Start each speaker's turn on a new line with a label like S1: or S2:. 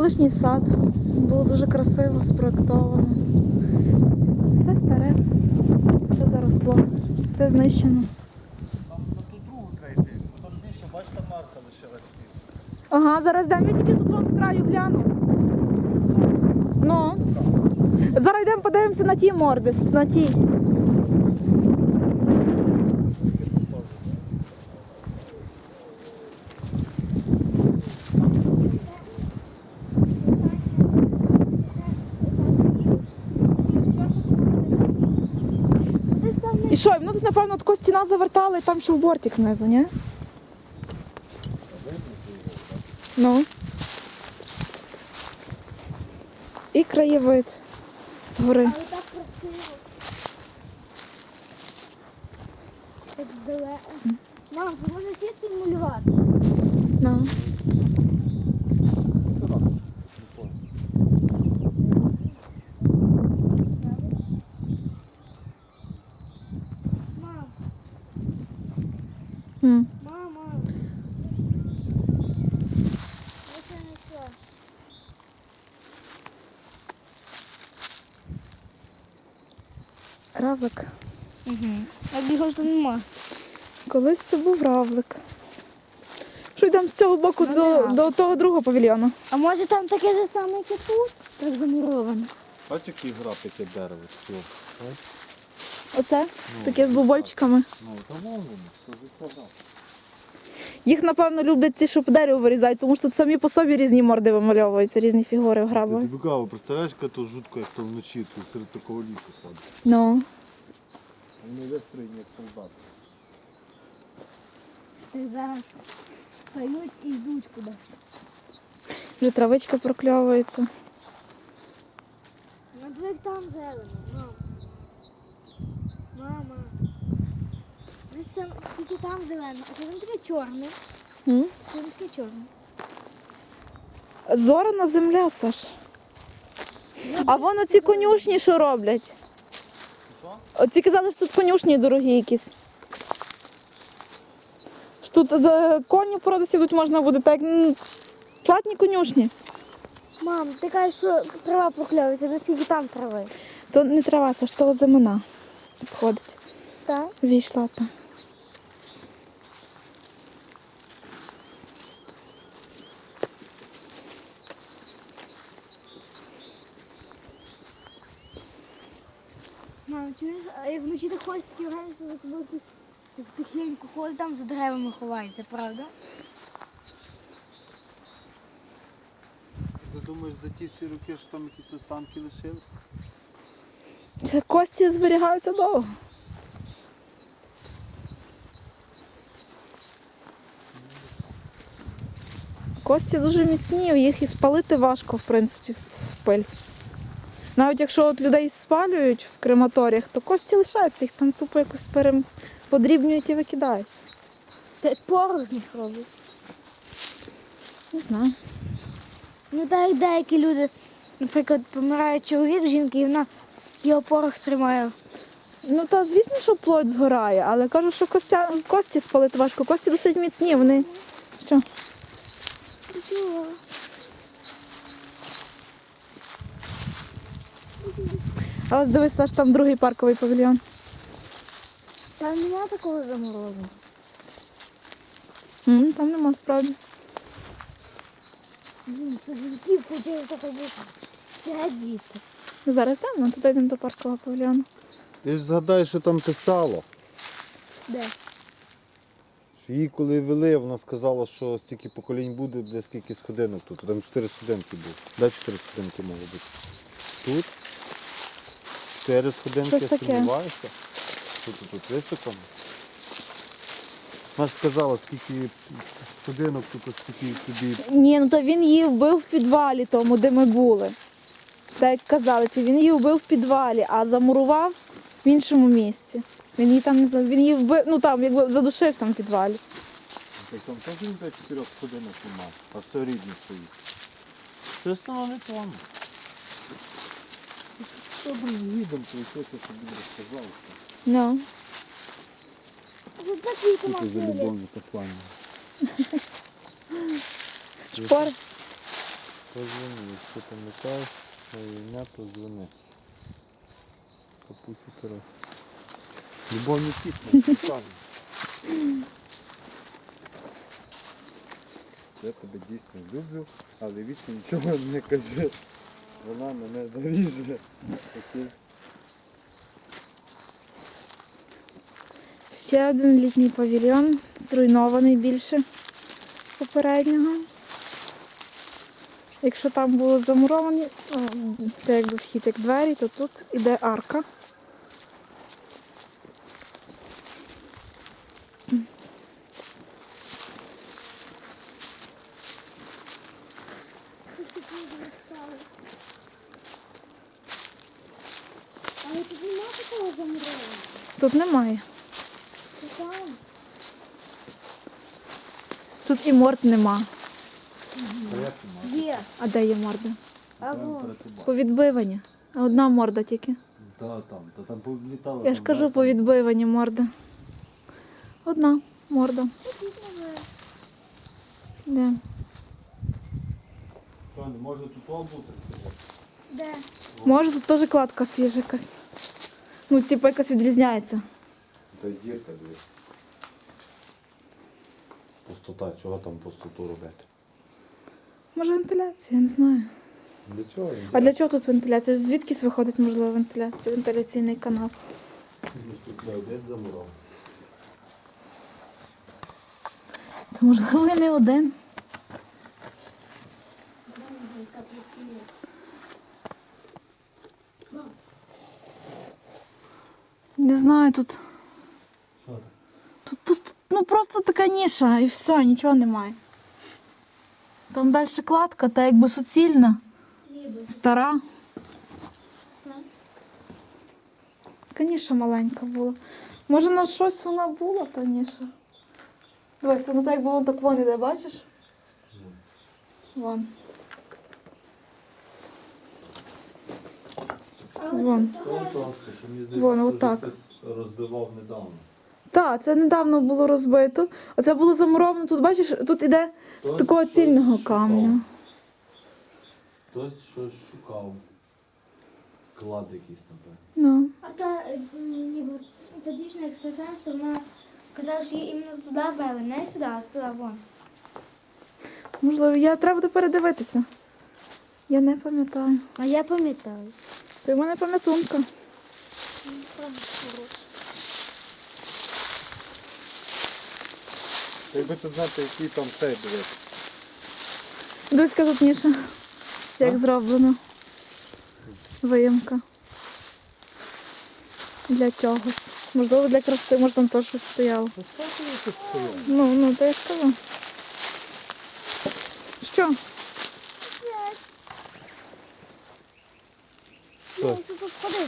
S1: колишній сад. Було дуже красиво, спроєктовано. Все старе, все заросло, все знищено.
S2: Там на ту другу треба йти. Там більше, бачите, марка лишилась ці.
S1: Ага, зараз йдемо, я тільки тут вон з краю гляну. Ну. Зараз йдемо подивимося на ті морди, на ті. І що, воно тут, напевно, таку стіна завертала і там ще в бортик знизу, ні? Ну. І краєвид згори.
S3: Але так красиво. Так далеко. Мам, можна сісти і малювати.
S1: Ну.
S3: Мам,
S1: М.
S3: мама. Ось я знайшла.
S1: Равлик.
S3: А його ж тут нема.
S1: Колись це був равлик. Що йдемо з цього боку до того другого павільйону?
S3: А може там таке ж саме, як і тут? Так замуровано.
S2: Бачиш, який граб, яке дерево.
S1: Оце? Таке з бубольчиками.
S2: Ну, то вон воно, що закладав.
S1: Їх, напевно, люблять ті, що по дереву вирізають, тому що тут самі по собі різні морди вимальовуються, різні фігури
S2: Ти
S1: грабові.
S2: цікаво, представляєш, яка то жутко, як то вночі тут серед такого лісу садить.
S1: Ну.
S2: Вони вистроєні, як солдати.
S3: Так зараз стають і йдуть кудись.
S1: Вже травичка прокльовується.
S3: Ну, як там зелено, мам. Мама. Ось там, тільки там зелено, а це таке чорне.
S1: М?
S3: Це таке чорне.
S1: Зорана земля, Саш. А вон оці конюшні, що роблять? Оці казали, що тут конюшні дорогі якісь. Що тут за коні породисті тут можна буде так, платні конюшні.
S3: Мам, ти кажеш, що трава прокльовується, ну скільки там трави?
S1: То не трава, Саш, то зимина сходить.
S3: Так?
S1: Зійшла та.
S3: Мам, чуєш, а як вночі ти ходиш, такі враження, що за тобою хтось так тихенько ходить, там за деревами ховається, правда?
S2: Ти думаєш, за ті всі роки, що там якісь останки лишились?
S1: Це кості зберігаються довго. Кості дуже міцні, їх і спалити важко, в принципі, в пиль. Навіть якщо от людей спалюють в крематоріях, то кості лишаються, їх там тупо якось подрібнюють і викидають.
S3: Це порох з них робить.
S1: Не знаю.
S3: Ну так як деякі люди, наприклад, помирає чоловік, жінка, і вона його порох тримає.
S1: Ну та звісно, що плоть згорає, але кажу, що кості спалити важко. Кості досить міцні, вони. Що? А ось дивись, Саш, там другий парковий павільйон.
S3: Там немає такого заморозу.
S1: Там нема справді.
S3: Це жінків хотіли таке бути. Це діти.
S1: Зараз йдемо, туди йдемо до паркового павільйону.
S2: Ти ж згадай, що там писало.
S3: Де?
S2: Що її коли вели, вона сказала, що стільки поколінь буде, де скільки сходинок тут. Там 4 сходинки було. Де 4 сходинки могло бути? Тут 4 сходинки,
S1: Щось
S2: я
S1: таке.
S2: сумніваюся. Тут високо. Вона ж сказала, скільки сходинок тут, скільки тобі.
S1: Ні, ну то він її вбив в підвалі тому, де ми були. Так як казали, він її вбив в підвалі, а замурував в іншому місці. Він її там не знаю, він її вбив, ну там якби задушив там в підвалі.
S2: Там теж він 4 сходинок немає, а все рідне стоїть. Чесно, воно не тому. Добре, їдемо, то все, що тобі розказав.
S1: Ну.
S3: Тут такі
S2: Це за
S3: томати.
S2: любовне послання.
S1: Шпор.
S2: Позвони, якщо пам'ятаєш моє ім'я, то дзвони. Капусі Тарас. Любов не тісна, саме. Я тебе дійсно люблю, але вічно нічого не кажи. Вона мене заріже. Окей.
S1: Ще один літній павільйон, зруйнований більше попереднього. Якщо там було замуровані, це якби вхід як двері, то тут іде арка.
S3: Але тут немає такого замурованого.
S1: Тут немає.
S3: Там.
S1: Тут і морд нема.
S3: Є.
S1: А де є морда?
S3: Або.
S1: Повідбивані. А одна морда тільки.
S2: Та там повлітало.
S1: Я ж кажу, повідбивані морда. Одна морда. Де?
S2: Тоні, може тут бути?
S3: Де?
S1: Може тут теж кладка свіжа якась. Ну, типу якась відрізняється.
S2: Та дірка, дивись. Пустота, чого там пустоту робити?
S1: Може вентиляція, я не знаю.
S2: Для чого?
S1: А для чого тут вентиляція? Звідкись виходить, можливо, вентиляція, вентиляційний канал?
S2: Тут не один замурав.
S1: Та можливо і не один. Не знаю, тут.
S2: Що так?
S1: Тут пусто, ну просто така ніша і все, нічого немає. Там далі кладка, та якби суцільна, стара. Така ніша маленька була. Може на щось вона була, та ніша. Дивися, ну так якби вон так вон іде, бачиш? Вон. Вон.
S2: Просто, що мені
S1: Вон,
S2: здається,
S1: отак.
S2: що хтось розбивав недавно.
S1: Так, це недавно було розбито. Оце було замуровано. Тут бачиш, тут іде з
S2: Хтось
S1: такого
S2: щось
S1: цільного
S2: шукав.
S1: каменю.
S2: Хтось щось шукав. Клад якийсь, напевно.
S1: Ну.
S3: А ніби та дівчина екстрасенс, то вона казала, що її іменно туди вели, не сюди, а туди вон.
S1: Можливо, треба буде передивитися. Я не пам'ятаю.
S3: А я пам'ятаю.
S1: Ти в мене пам'ятунка.
S2: Якби ти знати, який там цей дивись.
S1: Дивись-ка тут ніша. Як зроблено. Виїмка. Для чогось. Можливо, для краси, може там теж щось стояло. Ну, то я скажу. Що?
S3: Ні, тут ходи.